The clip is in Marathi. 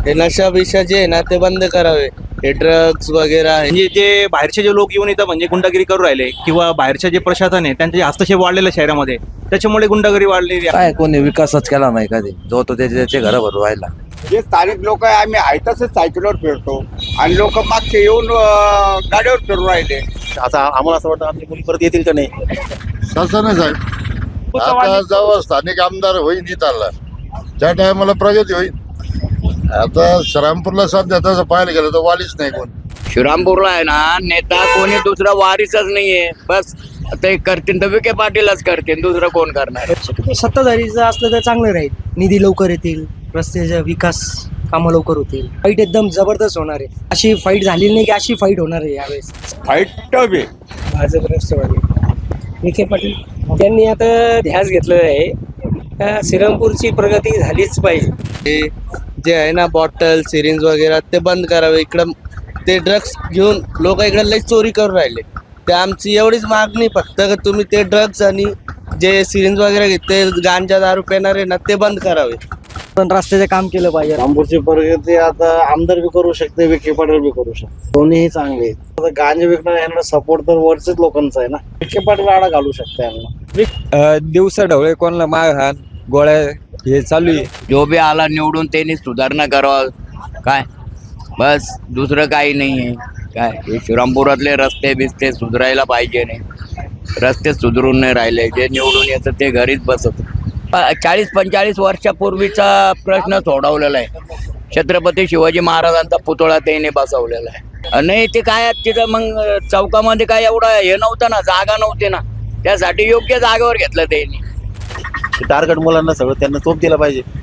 हे नशा बिशा जे आहे ना ते बंद करावे, हे ड्रग्स वगैरे आहे. म्हणजे जे बाहेरचे जे लोक येऊन इथं म्हणजे गुंडागिरी करू राहिले किंवा बाहेरचे जे प्रशासन आहे त्यांचे हस्तक्षेप वाढलेलं शहरामध्ये, त्याच्यामुळे गुंडागिरी वाढलेली आहे. काय कोणी विकासच केला नाही कधी, जो तो त्याचे घर भरून राहिला. जे स्थानिक लोक आहे आम्ही आहे तसंच सायकलवर फिरतो आणि लोक मागचे येऊन गाडीवर फिरून राहिले. आता आम्हाला असं वाटतं आपली मुली परत येतील का नाही. तसं नाही साहेब, आता जेव्हा स्थानिक आमदार होईल इथला त्या टायमाला प्रगती होईल. आता श्रीरामपूरला सध्या तसं पाहायला गेलं तर वालीच नाही कोण. श्रीरामपूरला आहे ना नेता कोणी दुसरा वारीसच नाहीये. बस ते करतील तर विखे पाटीलच करतील, दुसरं कोण करणार. सत्ताधारीचं असलं तर चांगलं राहील. निधी लवकर येतील, रस्त्याचा विकास कामं लवकर होतील. फाईट एकदम जबरदस्त होणार आहे. अशी फाईट झालेली नाही की अशी फाईट होणार आहे यावेळेस. फाईट टफ आहे. भाजप राष्ट्रवादी विखे पाटील त्यांनी आता ध्यास घेतलं आहे का श्रीरामपूरची प्रगती झालीच पाहिजे. हे जे आहे ना बॉटल सिरिंज वगैरे ते बंद करावे. इकडं ते ड्रग्स घेऊन लोक इकडे लई चोरी करून राहिले. ते आमची एवढीच मागणी फक्त का तुम्ही ते ड्रग्स आणि जे सिरिंज वगैरे घेते गांजा दारू पिणार आहे ना ते बंद करावे. पण रस्त्याचं काम केलं पाहिजे. रामपूरची प्रगती आता आमदार बी करू शकते, विखे पाटील बी करू शकते, दोन्हीही चांगले आहेत. आता गांजा विकणार यांना सपोर्ट तर वरच्याच लोकांचा आहे ना. विखे पाटील आडा घालू शकते यांना. दिवसा ढवळे कोणाला मारहाण गोळ्या हे चालू आहे. जो बी आला निवडून त्यांनी सुधारणा करावं काय, बस दुसरं काही नाही आहे. काय हे श्रीरामपुरातले रस्ते बिस्ते सुधारायला पाहिजे. नाही रस्ते सुधरून नाही राहिले. जे निवडून येतं ते घरीच बसत. 40-45 वर्षापूर्वीचा प्रश्न सोडवलेला आहे. छत्रपती शिवाजी महाराजांचा पुतळा त्याने बसवलेला आहे. नाही ते काय तिथं मग चौकामध्ये काय एवढं हे नव्हतं ना, जागा नव्हती ना, त्यासाठी योग्य जागेवर घेतलं त्यांनी. टार्गेट मुलांना सगळं त्यांना चोप दिला पाहिजे.